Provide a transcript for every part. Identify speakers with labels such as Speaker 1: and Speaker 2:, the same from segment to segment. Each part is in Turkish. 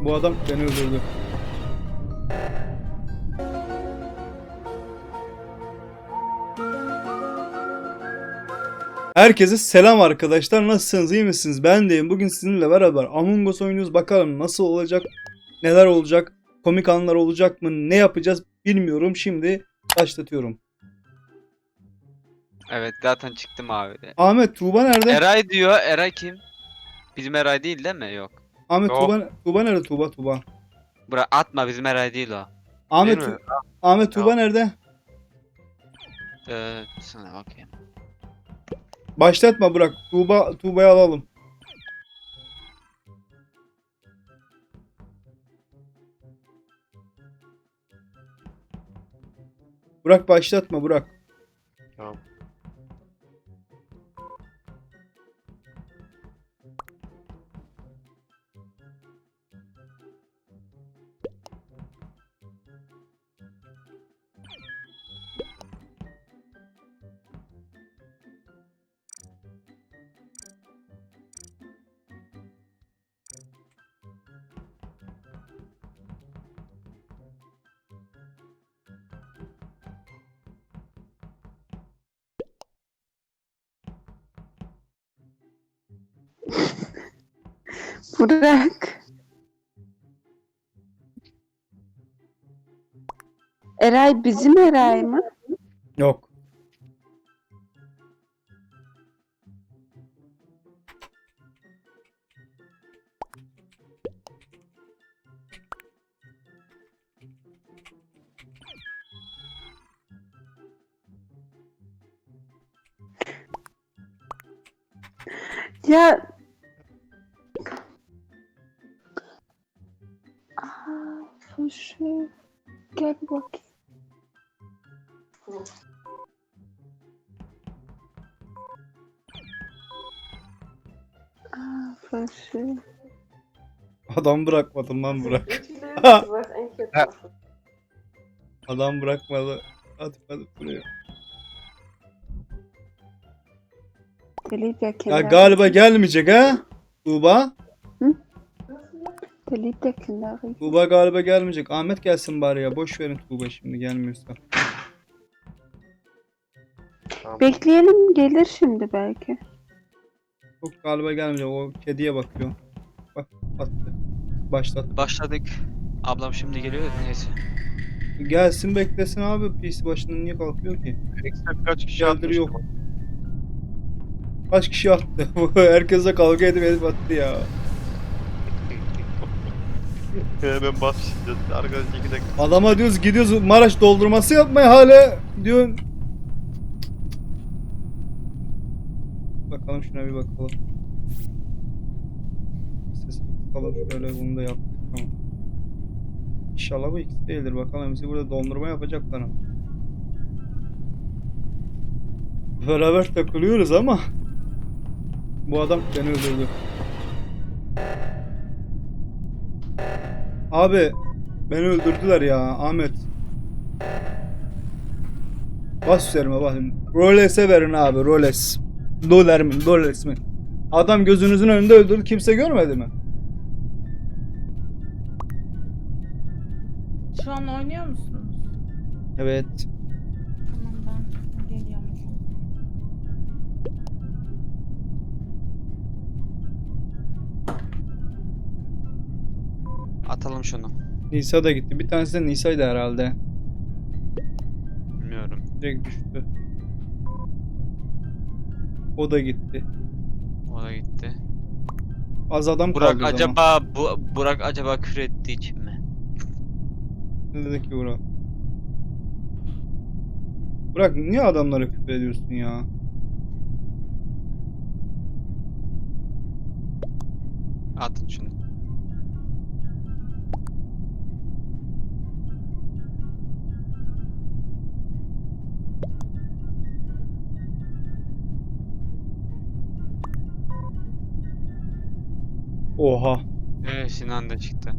Speaker 1: Bu adam beni öldürdü. Herkese selam arkadaşlar. Nasılsınız? İyi misiniz? Ben deyim. Bugün sizinle beraber Among Us oynuyoruz. Bakalım nasıl olacak? Neler olacak? Komik anlar olacak mı? Ne yapacağız? Bilmiyorum. Şimdi başlatıyorum.
Speaker 2: Evet zaten çıktım abi.
Speaker 1: Ahmet, Tuğba nerede?
Speaker 2: Eray diyor. Eray kim? Bizim Eray değil mi? Yok.
Speaker 1: Ahmet,
Speaker 2: Yok.
Speaker 1: Tuğba nerede? Tuğba.
Speaker 2: Bırak atma, bizim Eray değil o.
Speaker 1: Ahmet,
Speaker 2: Değil mi?
Speaker 1: Ahmet, Tuğba
Speaker 2: Yok.
Speaker 1: nerede?
Speaker 2: Sana bakayım.
Speaker 1: Başlatma, bırak. Tuğba'yı alalım. Bırak, başlatma, bırak.
Speaker 2: Tamam.
Speaker 3: Bırak. Eray bizim Eray mı?
Speaker 1: Yok.
Speaker 3: Ya. Fışı. Gel bir bakayım. Fışı.
Speaker 1: Adam bırakmadım lan, bırak. Adam bırakmadı. Hadi buraya. Ya galiba gelmeyecek ha? Tuğba. Tuğba galiba gelmeyecek. Ahmet gelsin bari ya. Boş verin Tuğba şimdi gelmiyorsa.
Speaker 3: Bekleyelim, gelir şimdi belki.
Speaker 1: Yok, galiba gelmeyecek. O kediye bakıyor. Bak, attı. Başlattı.
Speaker 2: Başladık. Ablam şimdi geliyor. Neyse.
Speaker 1: Gelsin, beklesin abi. PC başından niye kalkıyor ki?
Speaker 4: Kaç kişi
Speaker 1: Geldir
Speaker 4: atmıştı?
Speaker 1: yok. Kaç kişi attı? Herkese kavga edip attı ya.
Speaker 4: Hemen başlayacağız. Arkadaş 2 dakika.
Speaker 1: Adama diyoruz, gidiyoruz Maraş doldurması yapmaya, hala diyor. Bakalım şuna bir bakalım. Sesi bakalım, şöyle bunu da yaptık, tamam. İnşallah bu ikisi değildir, bakalım bizi burada dondurma yapacaklar ama. Beraber takılıyoruz ama bu adam beni öldürdü. Abi beni öldürdüler ya Ahmet. Bas üzerime bakın. Roles'e verin abi, Roles. Dolar mı? Roles mi? Adam gözünüzün önünde öldürdü, kimse görmedi mi?
Speaker 5: Şu an oynuyor musunuz?
Speaker 1: Evet.
Speaker 5: Tamam, ben geliyorum.
Speaker 2: Atalım şunu.
Speaker 1: Nisa da gitti. Bir tanesi de Nisa'ydı herhalde.
Speaker 2: Bilmiyorum.
Speaker 1: Direkt düştü. O da gitti.
Speaker 2: O da gitti.
Speaker 1: Az adam
Speaker 2: Burak
Speaker 1: kaldı o zaman.
Speaker 2: acaba Burak acaba küfür ettiği için mi?
Speaker 1: Ne dedi ki Burak? Burak, niye adamlara küfür ediyorsun ya?
Speaker 2: Atın şunu.
Speaker 1: Oha.
Speaker 2: Evet, Sinan da çıktı.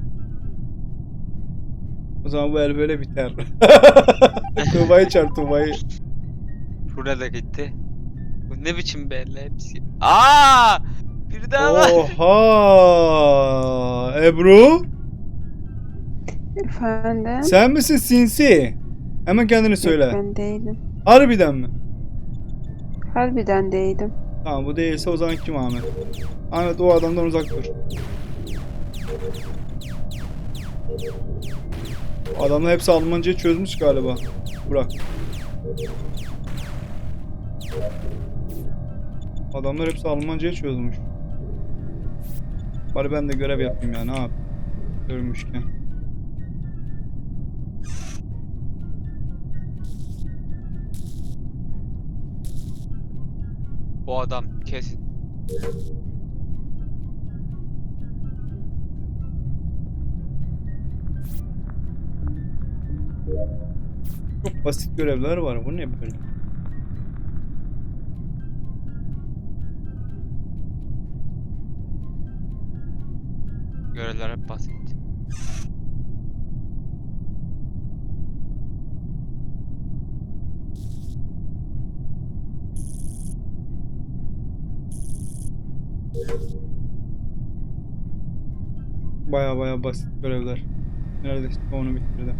Speaker 1: O zaman bu el böyle biter. Tuğba'yı çağır, Tuğba'yı.
Speaker 2: Şurada da gitti. Bu ne biçim belli hepsi. Aa! Bir daha var.
Speaker 1: Oha! Ebru?
Speaker 3: Efendim?
Speaker 1: Sen misin sinsi? Hemen kendini
Speaker 3: Yok,
Speaker 1: söyle.
Speaker 3: ben değilim.
Speaker 1: Harbiden mi?
Speaker 3: Harbiden değilim.
Speaker 1: Tamam bu değilse o zaman kim Ahmet? Ahmet o adamdan uzak dur. Adamlar hepsi Almancayı çözmüş galiba. Bırak. Adamlar hepsi Almancayı çözmüş. Bari ben de görev yapayım ya, ne yap? Görmüşken.
Speaker 2: O adam kesin.
Speaker 1: Çok basit görevler var. Bu ne böyle?
Speaker 2: Görevler hep basit.
Speaker 1: Baya basit görevler. Neredeyse onu bitirdim.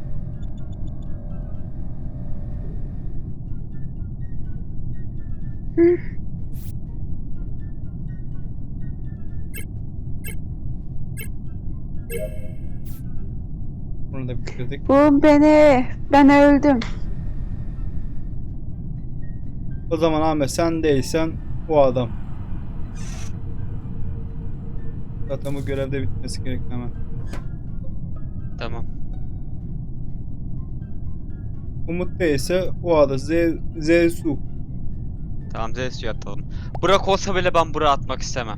Speaker 1: Bunu da bitirdik.
Speaker 3: Bu beni. Ben öldüm.
Speaker 1: O zaman Ahmet sen değilsen o adam. Zaten bu görevde bitmesi gerek hemen.
Speaker 2: Tamam.
Speaker 1: Umut değilse o adam. Zesu.
Speaker 2: Tamam Zeus'u atalım. Burak olsa bile ben Burak'ı atmak istemem.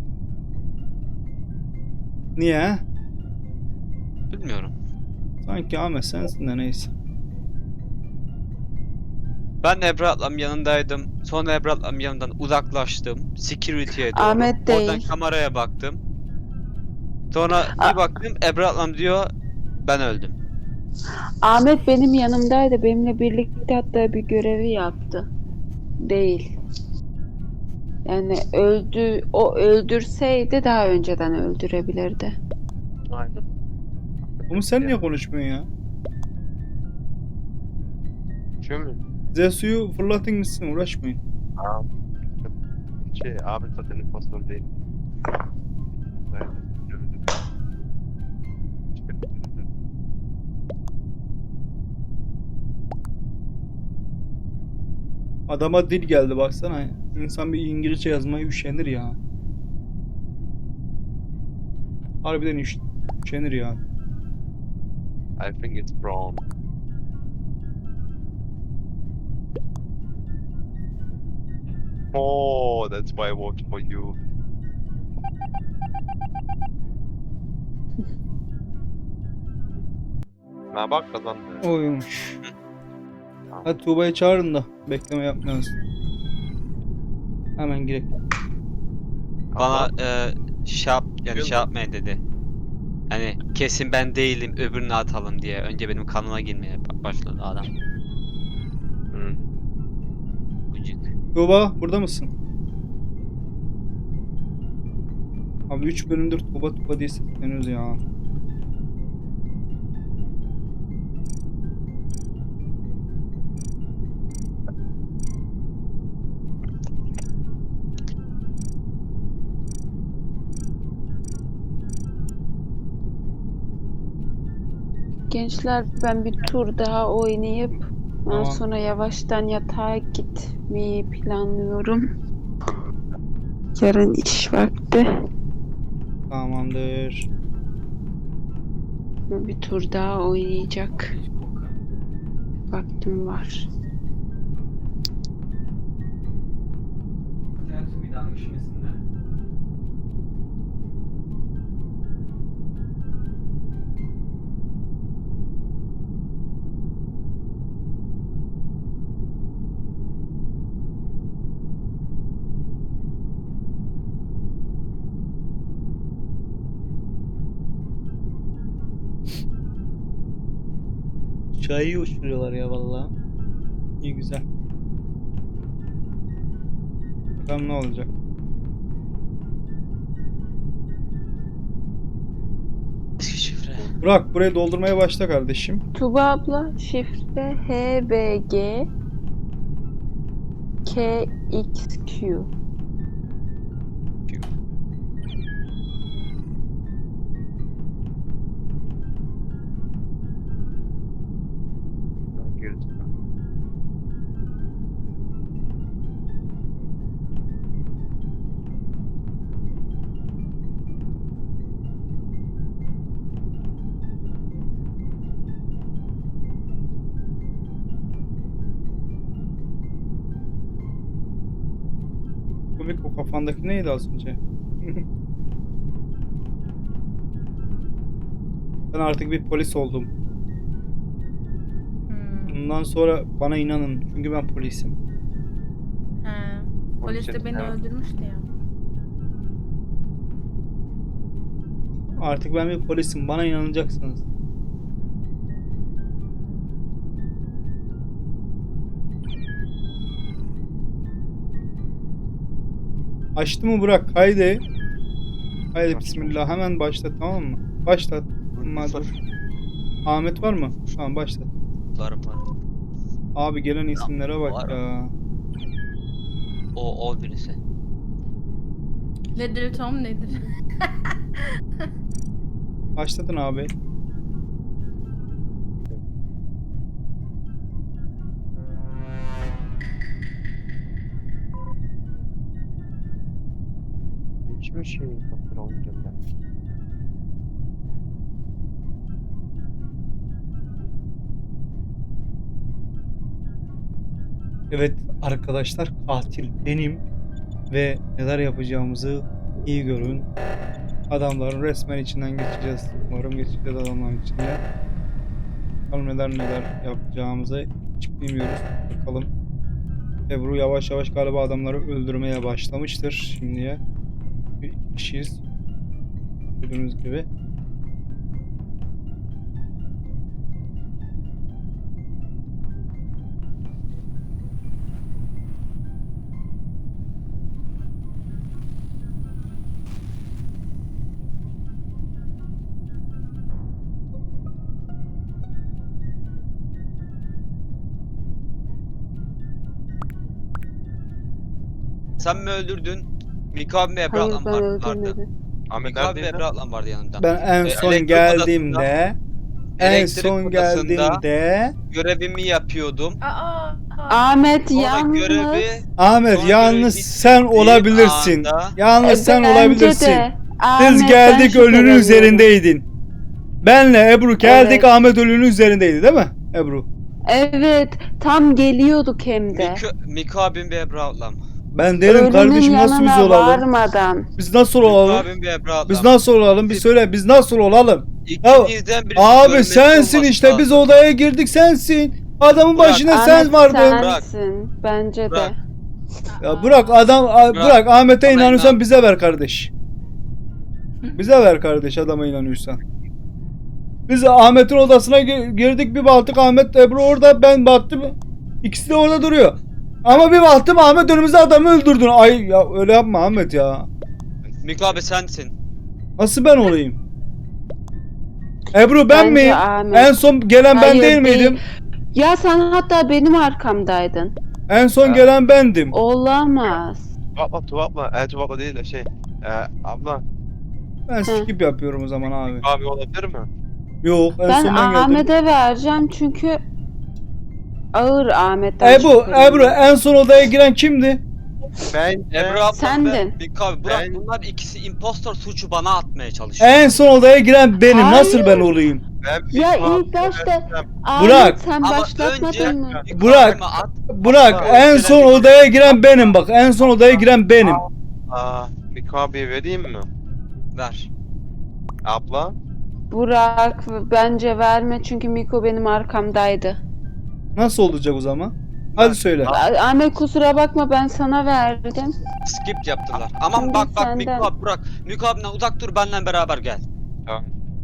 Speaker 1: Niye?
Speaker 2: Bilmiyorum.
Speaker 1: Sanki Ahmet sensin de neyse.
Speaker 2: Ben Ebru ablamın yanındaydım. Sonra Ebru ablamın yanından uzaklaştım. Security'ye doğru.
Speaker 3: Ahmet
Speaker 2: Oradan
Speaker 3: değil.
Speaker 2: kameraya baktım. Sonra bir baktım Ebru ablam diyor ben öldüm.
Speaker 3: Ahmet benim yanımdaydı. Benimle birlikte hatta bir görevi yaptı. Değil. Yani o öldürseydi daha önceden öldürebilirdi.
Speaker 4: Aynen.
Speaker 1: Umut sen niye konuşmuyorsun ya?
Speaker 4: Şu mu?
Speaker 1: Zesu'yu fırlatın gitsin, uğraşmayın.
Speaker 4: Aa. Abi zaten impostor değil. Aynen. Gördüm.
Speaker 1: Adama dil geldi baksana. İnsan bir İngilizce yazmayı üşenir ya. Harbiden üşenir ya.
Speaker 4: I think it's wrong. Oh, that's why I voted for you. Ha bak kazandı.
Speaker 1: Oymuş. Hadi Tuğba'yı çağırın da bekleme yapmayalım. Hemen girek.
Speaker 2: Bana şey yapmayın dedi. Hani kesin ben değilim öbürünü atalım diye. Önce benim kanıma girmeye başladı adam.
Speaker 4: Hı.
Speaker 2: Gıcık.
Speaker 1: Tuğba burada mısın? Abi 3 bölümdür Tuğba diye sesleniyoruz ya.
Speaker 3: Gençler ben bir tur daha oynayıp ondan
Speaker 1: Tamam.
Speaker 3: sonra yavaştan yatağa gitmeyi planlıyorum. Yarın iş vakti.
Speaker 1: Tamamdır.
Speaker 3: Bir tur daha oynayacak vaktim var.
Speaker 2: Bir daha üşümesinler.
Speaker 1: Çayı uçuruyorlar ya vallahi. İyi güzel. Bakalım ne olacak.
Speaker 2: şifre.
Speaker 1: Burak burayı doldurmaya başla kardeşim.
Speaker 3: Tuba abla şifre HBG KXQ.
Speaker 4: Girdim.
Speaker 1: Komik, o kafandaki neydi az önce? Ben artık bir polis oldum. Bundan sonra bana inanın. Çünkü ben polisim.
Speaker 5: He. Polis de beni öldürmüştü ya.
Speaker 1: Artık ben bir polisim. Bana inanacaksınız. Açtı mı Burak? Haydi. Haydi bismillah. Hemen başlat, tamam mı? Başlat. Dur. Ahmet var mı? Tamam başlat.
Speaker 2: Var.
Speaker 1: Abi gelen isimlere bak
Speaker 2: Var.
Speaker 1: ya.
Speaker 2: O birisi.
Speaker 5: Nedir Tom nedir?
Speaker 1: Başladın abi.
Speaker 4: Hiçbir şey yok. Olmayacak yani.
Speaker 1: Evet arkadaşlar, katil benim ve neler yapacağımızı iyi görün. Adamların resmen içinden geçeceğiz. Umarım geçeceğiz adamların içinden. Bakalım neler yapacağımızı hiç bilmiyoruz. Bakalım. Ebru yavaş yavaş galiba adamları öldürmeye başlamıştır şimdiye. Bir iki kişiyiz. Gördüğünüz gibi.
Speaker 2: Sen mi öldürdün? Miko abi ve Ebru
Speaker 3: Hayır
Speaker 2: ablam
Speaker 3: ben
Speaker 2: vardı.
Speaker 3: öldürmedim.
Speaker 4: Ahmet
Speaker 2: Miko abi ve
Speaker 4: neredeydin?
Speaker 2: Ebru ablam vardı yanımda.
Speaker 1: Ben en son
Speaker 2: elektrik
Speaker 1: geldiğimde
Speaker 2: elektrik odasında
Speaker 1: geldiğimde
Speaker 2: görevimi yapıyordum.
Speaker 3: Ahmet
Speaker 2: Sonra
Speaker 3: yalnız.
Speaker 2: görevi
Speaker 1: Ahmet
Speaker 2: Sonra
Speaker 1: yalnız
Speaker 2: görevi
Speaker 1: sen
Speaker 2: bittiği
Speaker 1: olabilirsin.
Speaker 2: anda-
Speaker 1: Yalnız sen
Speaker 3: Bence
Speaker 1: olabilirsin.
Speaker 3: de.
Speaker 1: Biz
Speaker 3: Ahmet'ten
Speaker 1: geldik ölünün
Speaker 3: şüpheleniyorum.
Speaker 1: üzerindeydin. Benle Ebru geldik,
Speaker 3: Evet.
Speaker 1: Ahmet ölünün üzerindeydi değil mi Ebru?
Speaker 3: Evet, tam geliyorduk hem de.
Speaker 2: Miko abim ve Ebru ablam.
Speaker 1: Ben derim
Speaker 3: Ölünün
Speaker 1: kardeşim, nasıl biz
Speaker 3: yanına
Speaker 1: olalım?
Speaker 3: varmadan.
Speaker 1: Biz nasıl
Speaker 2: Miko
Speaker 1: olalım?
Speaker 2: abim ve Ebru ablam.
Speaker 1: Biz nasıl olalım? Bir söyle, biz nasıl olalım?
Speaker 2: İkinizden birisi
Speaker 1: Abi
Speaker 2: ölmesi
Speaker 1: sensin
Speaker 2: olması
Speaker 1: işte, biz
Speaker 2: lazım.
Speaker 1: odaya girdik sensin. Adamın
Speaker 2: Burak,
Speaker 1: başına
Speaker 3: Ahmet
Speaker 1: sen vardın.
Speaker 3: sensin. Bence de.
Speaker 2: Burak.
Speaker 1: Ya bırak bırak Ahmet'e
Speaker 2: Bana
Speaker 1: inanıyorsan
Speaker 2: inan.
Speaker 1: bize ver kardeş. Bize ver kardeş, adama inanıyorsan. Biz Ahmet'in odasına girdik, bir baktık Ahmet Ebru orada, ben baktım ikisi de orada duruyor. Ama bir baktım Ahmet önümüzde adamı öldürdün. Ay ya öyle yapma Ahmet ya.
Speaker 2: Miko abi sensin.
Speaker 1: Nasıl ben olayım? Ebru ben
Speaker 3: Bence
Speaker 1: miyim?
Speaker 3: Ahmet.
Speaker 1: En son gelen ben
Speaker 3: Hayır,
Speaker 1: değil miydim?
Speaker 3: Ya sen hatta benim arkamdaydın.
Speaker 1: En son gelen bendim.
Speaker 3: Olamaz.
Speaker 4: Tuvapla. Tuvapla değil de şey. Abla.
Speaker 1: Ben skip yapıyorum o zaman abi.
Speaker 4: Abi olabilir mi?
Speaker 1: Yok en
Speaker 3: Ben
Speaker 1: son ben geldim.
Speaker 3: Ahmet'e vereceğim çünkü ağır Ahmet'ten
Speaker 1: Ebru
Speaker 3: şüpheleniyorum.
Speaker 1: en son odaya giren kimdi?
Speaker 4: Ben
Speaker 2: Ebru ablam
Speaker 3: Sendin.
Speaker 2: ve Miko abi. Burak
Speaker 4: Ben-
Speaker 2: bunlar ikisi impostor suçu bana atmaya çalışıyor.
Speaker 1: En son odaya giren benim.
Speaker 3: Hayır.
Speaker 1: Nasıl ben olayım?
Speaker 3: Ya ilk başta Ahmet
Speaker 1: Burak.
Speaker 3: sen
Speaker 2: Ama
Speaker 3: başlatmadın
Speaker 2: önce-
Speaker 3: mı?
Speaker 2: Miko
Speaker 1: Burak.
Speaker 2: abime at.
Speaker 1: Burak en son odaya giren benim bak. En son odaya giren benim.
Speaker 4: Miko abiye vereyim mi?
Speaker 2: Ver.
Speaker 4: Abla.
Speaker 3: Burak bence verme çünkü Miko benim arkamdaydı.
Speaker 1: Nasıl olacak o zaman? Hadi söyle.
Speaker 3: Ahmet kusura bakma ben sana verdim.
Speaker 2: Skip yaptılar. Aman
Speaker 3: Şimdi
Speaker 2: bak
Speaker 3: senden.
Speaker 2: Miko abi Burak. Miko abimden uzak dur, benimle beraber gel.
Speaker 4: Tamam.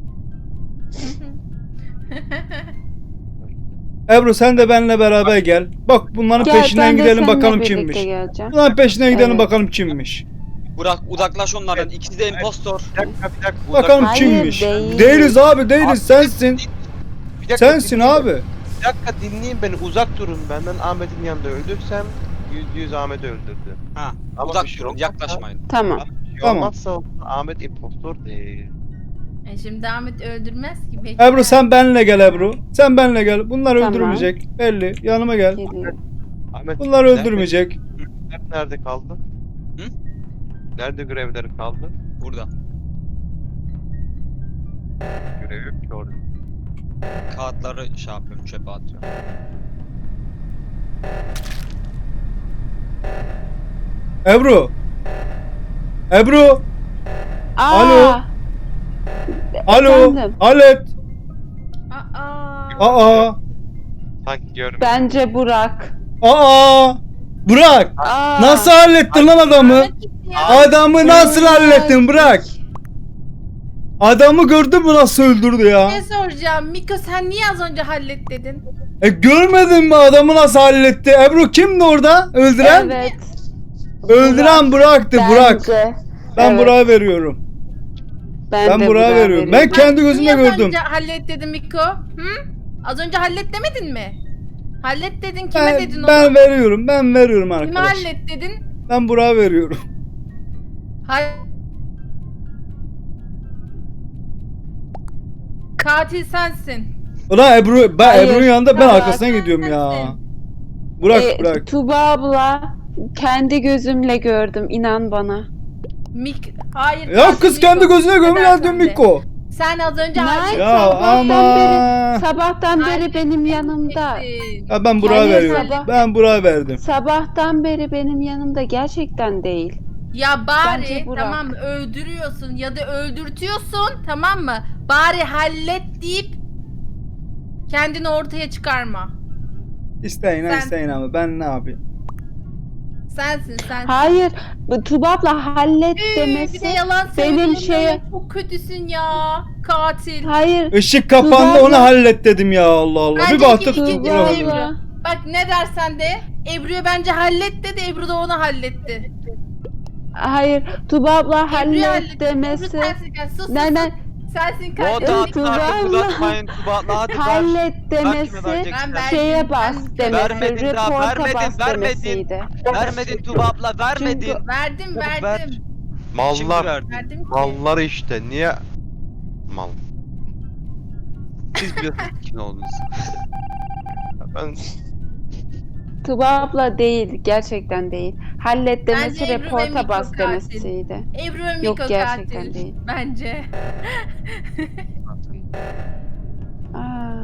Speaker 1: Ebru sen de benimle beraber gel. Bak bunların
Speaker 3: Gel,
Speaker 1: peşinden
Speaker 3: ben de
Speaker 1: gidelim
Speaker 3: seninle
Speaker 1: bakalım
Speaker 3: birlikte
Speaker 1: kimmiş.
Speaker 3: geleceğim.
Speaker 1: Bunların peşinden gidelim
Speaker 3: Evet.
Speaker 1: bakalım kimmiş.
Speaker 2: Burak uzaklaş onlardan. İkisi de impostor.
Speaker 4: Bir dakika.
Speaker 1: Bakalım
Speaker 3: Hayır,
Speaker 1: kimmiş?
Speaker 3: değil.
Speaker 1: Değiliz abi değiliz sensin.
Speaker 4: Bir dakika,
Speaker 1: Sensin
Speaker 4: dinleyin.
Speaker 1: abi.
Speaker 4: Bir dakika dinleyin beni, uzak durun benden. Ahmet'in yanında öldürsem %100 Ahmet'i öldürdü.
Speaker 2: Ha.
Speaker 4: Ama
Speaker 2: Uzak
Speaker 4: bir şey
Speaker 2: durun,
Speaker 4: olmazsa-
Speaker 2: yaklaşmayın.
Speaker 3: Tamam.
Speaker 4: Bir şey
Speaker 1: Tamam.
Speaker 4: olmazsa Ahmet impostor değil.
Speaker 5: Şimdi Ahmet öldürmez ki. Bekle.
Speaker 1: Ebru sen benle gel Ebru. Sen benle gel. Bunlar
Speaker 3: Tamam.
Speaker 1: öldürmeyecek. Belli. Yanıma gel.
Speaker 3: Geliyor.
Speaker 4: Ahmet
Speaker 1: Bunlar
Speaker 4: nerede-
Speaker 1: öldürmeyecek.
Speaker 4: Nerede kaldı?
Speaker 2: Hı?
Speaker 4: Nerede görevleri kaldı?
Speaker 2: Burada.
Speaker 4: Görev yok ki orada.
Speaker 2: Kağıtları şey yapıyorum, çöpe atıyorum.
Speaker 1: Ebru. Ebru.
Speaker 3: Aa,
Speaker 1: Alo. Alo.
Speaker 3: Efendim?
Speaker 1: Alet. Aa.
Speaker 4: Sanki görmedim.
Speaker 3: Bence Burak.
Speaker 1: Aa. Burak.
Speaker 3: Aa,
Speaker 1: Nasıl hallettin lan adamı? Adamı nasıl hallettin Burak? Adamı gördün mü nasıl öldürdü ya?
Speaker 5: Ne soracağım? Miko sen niye az önce hallet dedin?
Speaker 1: Görmedin mi adamı nasıl halletti? Ebru kimdi orada? Öldüren?
Speaker 3: Evet.
Speaker 1: Öldüren Burak'tı Burak.
Speaker 3: Bence.
Speaker 1: Ben
Speaker 3: Evet.
Speaker 1: Burak'a veriyorum. Ben
Speaker 3: de
Speaker 1: Burak'a
Speaker 3: Burak'a
Speaker 1: veriyorum. Ben kendi gözümle
Speaker 5: Niye az
Speaker 1: gördüm.
Speaker 5: önce hallet dedin Miko? Hı? Az önce hallet demedin mi? Hallet dedin, kime
Speaker 1: Ben,
Speaker 5: dedin
Speaker 1: ben
Speaker 5: onu?
Speaker 1: veriyorum. Ben veriyorum
Speaker 5: Kime
Speaker 1: arkadaş.
Speaker 5: hallet dedin?
Speaker 1: Ben Burak'a veriyorum.
Speaker 5: Katil sensin.
Speaker 1: Ulan Ebru, ben
Speaker 3: Hayır,
Speaker 1: Ebru'nun yanında ben
Speaker 3: Burak.
Speaker 1: arkasına gidiyorum ya. Burak, Burak.
Speaker 3: Tuba abla kendi gözümle gördüm, inan bana.
Speaker 5: Hayır.
Speaker 1: Ya
Speaker 5: katil
Speaker 1: kız kendi
Speaker 5: Miko.
Speaker 1: gözüne gömüyor
Speaker 5: Neden
Speaker 1: dön
Speaker 5: sen de?
Speaker 1: Miko.
Speaker 5: Sen az önce
Speaker 3: Nice.
Speaker 5: hallet.
Speaker 1: Ya ama.
Speaker 3: Sabahtan beri benim yanımda.
Speaker 1: Ya ben Burak'a
Speaker 3: Hayır,
Speaker 1: veriyorum.
Speaker 3: sabah-
Speaker 1: Ben Burak'a verdim.
Speaker 3: Sabahtan beri benim yanımda, gerçekten değil.
Speaker 5: Ya bari
Speaker 3: Bence Burak.
Speaker 5: tamam mı, öldürüyorsun ya da öldürtüyorsun, tamam mı? Bari hallet deyip kendini ortaya çıkarma.
Speaker 1: İsteyin ha
Speaker 5: Sen-
Speaker 1: isteyin ama ben ne yapayım?
Speaker 5: Sensin sen.
Speaker 3: Hayır, bu Tuba abla hallet
Speaker 5: Bir de
Speaker 3: demesi.
Speaker 5: yalan
Speaker 3: benim
Speaker 5: söylüyorsun.
Speaker 3: şeye-
Speaker 5: Çok kötüsün ya. Katil.
Speaker 3: Hayır,
Speaker 1: Işık kapandı
Speaker 3: Tuba
Speaker 1: onu
Speaker 3: abla-
Speaker 1: hallet dedim ya Allah Allah.
Speaker 5: Bence
Speaker 1: Bir baktık
Speaker 5: ikinci
Speaker 3: Tuba
Speaker 1: Burak
Speaker 5: Ebru.
Speaker 1: öldü.
Speaker 3: abla.
Speaker 5: Bak ne dersen de Ebru'ya bence hallet dedi, Ebru da onu halletti.
Speaker 3: Hayır, Tuba abla
Speaker 5: Ebru'ya
Speaker 3: hallet
Speaker 5: halletti.
Speaker 3: demesi.
Speaker 5: Ebru sensin katil. Sus sus.
Speaker 3: Nereden
Speaker 5: Sensin
Speaker 2: Vote
Speaker 5: katil.
Speaker 3: Evet,
Speaker 2: atın artık,
Speaker 3: Tuba
Speaker 2: uzatmayın Tuba. Hadi ver.
Speaker 3: hallet
Speaker 2: kime
Speaker 3: demesi
Speaker 2: vereceksin?
Speaker 5: Ben verdim.
Speaker 3: şeye bas
Speaker 5: Ben-
Speaker 3: demesi,
Speaker 2: Vermedin daha,
Speaker 3: reporta
Speaker 2: vermedin,
Speaker 3: bas
Speaker 2: vermedin.
Speaker 3: demesiydi.
Speaker 2: Vermedin Tuba abla, vermedin.
Speaker 3: Çünkü-
Speaker 5: Verdim
Speaker 2: Ver.
Speaker 5: verdim.
Speaker 2: Şimdi
Speaker 4: Mallar.
Speaker 2: verdim.
Speaker 5: Verdim ki.
Speaker 4: Mallar işte. Niye? Mal.
Speaker 2: Siz biliyorsunuz kim olduğunuzu.
Speaker 4: Ben
Speaker 3: Tuba abla değil, gerçekten değil. Hallet demesi,
Speaker 5: Bence Ebru ve
Speaker 3: reporta
Speaker 5: Miko
Speaker 3: bas
Speaker 5: katil.
Speaker 3: demesiydi.
Speaker 5: Ebru ve Miko
Speaker 3: Yok, gerçekten
Speaker 5: katil.
Speaker 3: değil.
Speaker 5: Bence.
Speaker 3: Aa.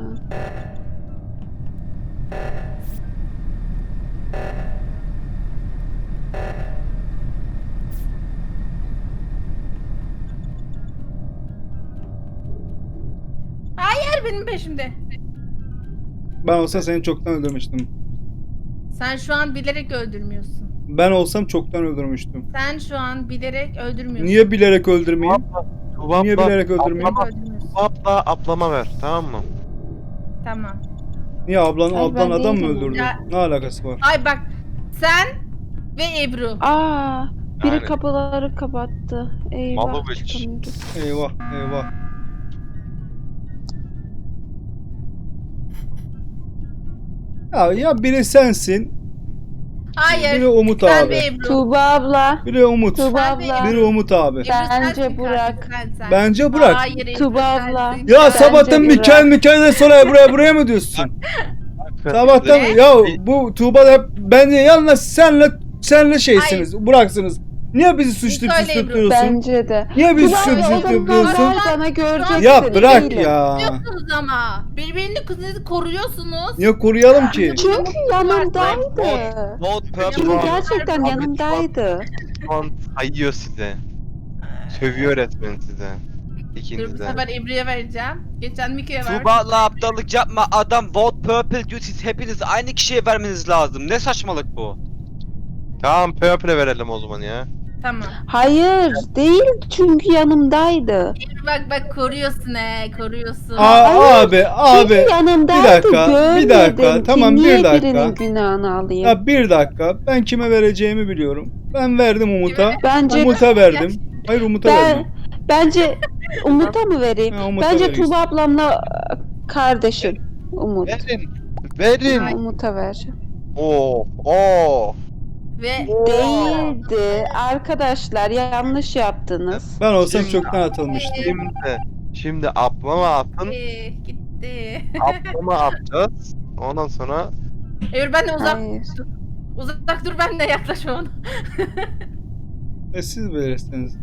Speaker 5: Hayır benim peşimde.
Speaker 1: Ben olsa seni çoktan öldürmüştüm.
Speaker 5: Sen şu an bilerek öldürmüyorsun.
Speaker 1: Ben olsam çoktan öldürmüştüm.
Speaker 5: Sen şu an bilerek öldürmüyorsun.
Speaker 1: Niye bilerek öldürmeyeyim?
Speaker 4: Tuba
Speaker 1: Niye
Speaker 4: abla,
Speaker 1: bilerek öldürmeyeyim?
Speaker 5: Bilerek öldürmüyorsun.
Speaker 4: Tuba abla ablama ver, tamam mı?
Speaker 5: Tamam.
Speaker 1: Niye ablan
Speaker 3: Ay, ben
Speaker 1: adam mı
Speaker 3: değilim.
Speaker 1: öldürdü?
Speaker 5: Ya-
Speaker 1: Ne alakası var?
Speaker 5: Ay bak sen ve Ebru.
Speaker 3: Aa, biri
Speaker 4: Yani.
Speaker 3: kapıları kapattı. Eyvah,
Speaker 4: Malovic.
Speaker 3: çıkamıyoruz.
Speaker 1: Eyvah eyvah. Ya biri sensin,
Speaker 5: Hayır.
Speaker 1: biri Umut
Speaker 5: Sen
Speaker 1: abi.
Speaker 5: ve Ebru.
Speaker 3: Tuba abla,
Speaker 1: Biri Umut,
Speaker 3: Tuba
Speaker 5: Sen ve
Speaker 3: abla.
Speaker 1: biri Umut abi.
Speaker 5: Ebru
Speaker 3: Bence
Speaker 5: sensin
Speaker 3: Burak.
Speaker 5: katil, sen.
Speaker 1: Bence Burak.
Speaker 5: Hayır Ebru
Speaker 3: Tuba abla.
Speaker 5: sensin.
Speaker 1: Ya
Speaker 3: Bence
Speaker 1: sabahtan
Speaker 3: Burak.
Speaker 1: Mikael'den sonra buraya mı diyorsun? Sabahtan
Speaker 5: Ne?
Speaker 1: ya bu Tuğba da hep ben yalnız senle şeysiniz, Burak'sınız. Niye bizi suçlu
Speaker 5: Söyle Ebru.
Speaker 1: tutuyorsun?
Speaker 3: Bence de.
Speaker 1: Niye bizi
Speaker 3: Tuba
Speaker 1: suçlu
Speaker 3: abla, o
Speaker 1: tutuyorsun?
Speaker 3: zamanlar bana göreceksin.
Speaker 1: Ya bırak
Speaker 3: değilim.
Speaker 1: ya.
Speaker 5: Koruyorsunuz ama. Birbirini kızınızı koruyorsunuz.
Speaker 1: Niye koruyalım ki?
Speaker 3: Çünkü yanımdaydı.
Speaker 2: Vote purple.
Speaker 3: Çünkü
Speaker 4: Tuba-
Speaker 3: gerçekten yanımdaydı.
Speaker 4: Şu an sayıyor size. Sövüyor resmen size.
Speaker 5: Dur bu
Speaker 4: İkinize.
Speaker 5: sefer Ebru'ya vereceğim. Geçen Miko'ya ver.
Speaker 2: Tuba'la aptallık yapma, adam vote purple diyor, siz hepiniz aynı kişiye vermeniz lazım. Ne saçmalık bu?
Speaker 4: Tamam Purple'e verelim o zaman ya.
Speaker 5: Tamam.
Speaker 3: Hayır, değil çünkü yanımdaydı.
Speaker 5: Ebru bak koruyorsun koruyorsun.
Speaker 1: Abi
Speaker 3: Çünkü yanımdaydı,
Speaker 1: bir dakika, bir dakika,
Speaker 3: görmedim ki
Speaker 1: tamam, bir
Speaker 3: niye
Speaker 1: dakika.
Speaker 3: birinin günahını alayım?
Speaker 1: ya bir dakika ben kime vereceğimi biliyorum. Ben verdim Umut'a.
Speaker 3: Bence
Speaker 1: Umut'a verdim. Hayır Umut'a verdim.
Speaker 3: bence Umut'a mı vereyim?
Speaker 1: Ha, Umut'a
Speaker 3: Bence
Speaker 1: verirsin.
Speaker 3: Tuğba ablamla kardeşim Umut.
Speaker 4: Verin. Verin.
Speaker 3: Umut'a vereceğim.
Speaker 4: Oo.
Speaker 5: Ve
Speaker 3: Değildi. Arkadaşlar yanlış yaptınız.
Speaker 1: Ben olsam
Speaker 4: Şimdi-
Speaker 1: çoktan atılmıştım.
Speaker 4: Şimdi ablama atın.
Speaker 5: gitti.
Speaker 4: Ablama atacağız. Ondan sonra
Speaker 5: Ebru ben de
Speaker 3: Hayır.
Speaker 5: uzak dur, ben de yaklaşma ona.
Speaker 1: Siz verirsiniz.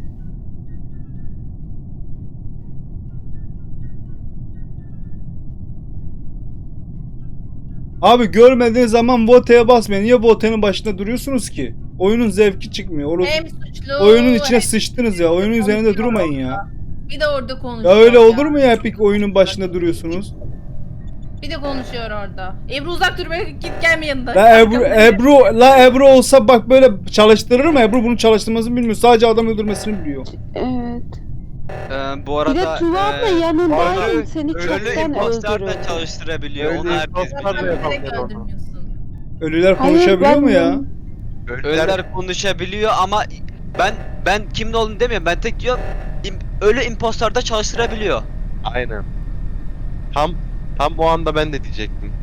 Speaker 1: Abi görmediğiniz zaman voteye basmayın. Niye votenin başında duruyorsunuz ki? Oyunun zevki çıkmıyor.
Speaker 5: Hem suçlu.
Speaker 1: Oyunun içine
Speaker 5: hem-
Speaker 1: sıçtınız ya. Oyunun üzerinde durmayın ya.
Speaker 5: Bir de orada
Speaker 1: Ya
Speaker 5: konuşuyor.
Speaker 1: öyle olur mu ya Epic oyunun başında duruyorsunuz?
Speaker 5: Bir de konuşuyor orada. Ebru uzak dur, be, git gelme yanında.
Speaker 1: La Ebru olsa bak böyle çalıştırır mı? Ebru bunu çalıştırmasını bilmiyor. Sadece adam öldürmesini biliyor.
Speaker 3: Evet.
Speaker 2: Bu
Speaker 3: Bir de
Speaker 2: arada
Speaker 3: Tuğba abla
Speaker 4: öyle-
Speaker 3: yanındaydın. Seni
Speaker 2: ölü
Speaker 3: çoktan
Speaker 2: impostor da
Speaker 3: öldürürdü.
Speaker 2: çalıştırabiliyor.
Speaker 4: Öyle
Speaker 2: Onu herkes
Speaker 4: impostor da
Speaker 2: biliyor.
Speaker 5: Sen direkt
Speaker 4: yapamıyor onu.
Speaker 5: öldürmüyorsun.
Speaker 1: Ölüler
Speaker 3: Hayır,
Speaker 1: konuşabiliyor
Speaker 3: ben-
Speaker 1: mu ya?
Speaker 2: Ölüler konuşabiliyor ama ben kimin olduğunu demiyorum. Ben tek diyorum ölü impostor da çalıştırabiliyor.
Speaker 4: Aynen. Tam o anda ben de diyecektim.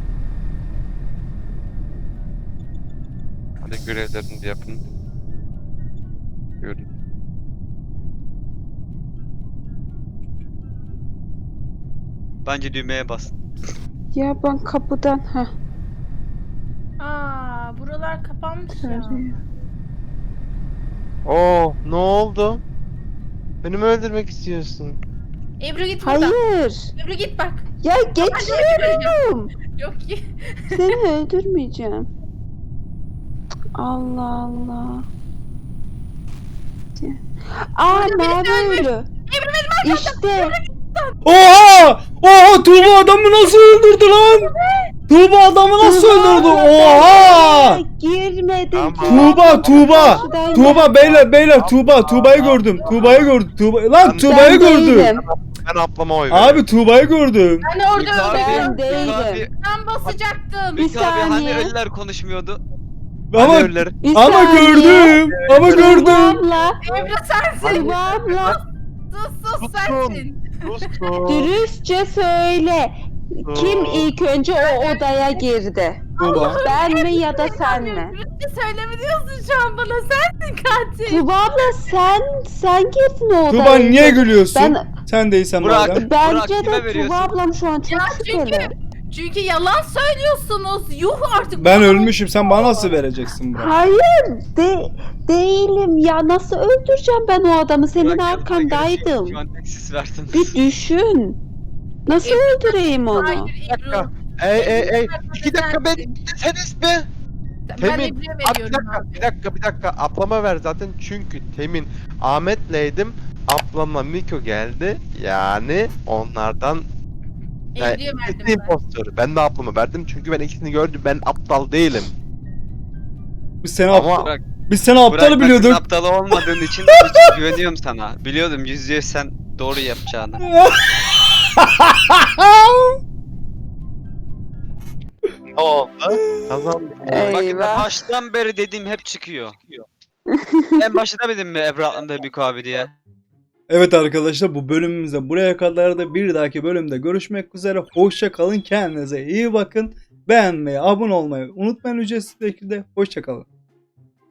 Speaker 4: Hadi görevlerini de yapın. Görün.
Speaker 2: Bence düğmeye bas.
Speaker 3: Ya ben kapıdan
Speaker 5: Buralar kapanmış ya.
Speaker 4: Ne oldu? Beni mi öldürmek istiyorsun?
Speaker 5: Ebru git buradan.
Speaker 3: Hayır.
Speaker 5: Ebru git bak.
Speaker 3: Ya geçiyorum.
Speaker 5: Yok ki.
Speaker 3: Seni öldürmeyeceğim. Allah Allah. Mavi ölü. İşte.
Speaker 1: Oha! Oha! Tuğba adamı nasıl öldürdü lan? Tuğba adamı nasıl öldürdü? Oha!
Speaker 3: Girmedim.
Speaker 4: Tamam.
Speaker 1: Tuğba beyler Tuğba'yı gördüm. Lan Tuğba'yı gördüm.
Speaker 4: Ben ablama oy veriyorum.
Speaker 1: Abi Tuğba'yı gördüm.
Speaker 5: Ben orada
Speaker 3: Ben
Speaker 5: öldüm.
Speaker 3: değilim.
Speaker 5: Ben basacaktım.
Speaker 3: Bir
Speaker 2: Mika abi hani
Speaker 3: saniye.
Speaker 2: ölüler konuşmuyordu.
Speaker 1: Ama
Speaker 4: Hadi ölüleri.
Speaker 3: Bir
Speaker 1: ama
Speaker 3: saniye.
Speaker 1: gördüm. Ama
Speaker 3: Tuğba
Speaker 1: gördüm.
Speaker 3: abla.
Speaker 5: Ebru sensin.
Speaker 3: Tuğba abla.
Speaker 5: Sus sensin.
Speaker 4: Susun.
Speaker 3: Dürüstçe söyle. Kim ilk önce o odaya girdi?
Speaker 1: Tuğba.
Speaker 3: Ben mi ya da sen mi?
Speaker 5: Dürüstçe söyleme diyorsun şu an bana. Sensin katil.
Speaker 3: Tuğba abla sen girdin o odaya.
Speaker 1: Tuğba niye gülüyorsun?
Speaker 3: Ben
Speaker 1: Sen değilsen
Speaker 2: Burak.
Speaker 1: madem.
Speaker 3: bence
Speaker 2: kime
Speaker 3: de
Speaker 2: veriyorsun?
Speaker 3: Tuğba ablam şu an çok
Speaker 5: Ya
Speaker 3: şüpheli.
Speaker 5: Çünkü yalan söylüyorsunuz. Yuh artık.
Speaker 1: Ben ölmüşüm. Sen bana nasıl vereceksin Burak?
Speaker 3: Hayır değilim ya, nasıl öldüreceğim ben o adamı, senin
Speaker 2: Burak yanına
Speaker 3: arkandaydım.
Speaker 2: görüşüyor. Şu an tek siz verdiniz.
Speaker 3: Bir düşün. Nasıl öldüreyim onu?
Speaker 5: Hayır Ebru.
Speaker 4: Ey. 2 dakika beni dinleseniz be.
Speaker 5: Ben
Speaker 4: Temin.
Speaker 5: Ebru'ya
Speaker 4: Abi
Speaker 5: veriyorum abi.
Speaker 4: bir dakika. Ablama ver zaten çünkü Temin Ahmet'leydim. Ablamla Miko geldi. Yani onlardan
Speaker 5: Ebru'ya verdim
Speaker 4: ikisi
Speaker 5: ben.
Speaker 4: impostor. Ben de ablama verdim çünkü ben ikisini gördüm. Ben aptal değilim.
Speaker 1: Biz seni
Speaker 4: Ama
Speaker 2: Burak,
Speaker 1: biz seni
Speaker 2: Burak,
Speaker 1: aptalı
Speaker 2: ben
Speaker 1: biliyorduk.
Speaker 2: senin aptal olmadığın için güveniyorum sana. Biliyordum %100 sen doğru yapacağını.
Speaker 4: ne oldu? Kazandım.
Speaker 2: Bakın
Speaker 3: Eyvah.
Speaker 2: baştan beri dediğim hep çıkıyor. En başta demedim mi Ebru Atlan'da Miko abi diye?
Speaker 1: Evet arkadaşlar, bu bölümümüzde buraya kadar da bir dahaki bölümde görüşmek üzere. Hoşça kalın, kendinize iyi bakın. Beğenmeyi, abone olmayı unutmayın ücretsiz şekilde. Hoşça kalın.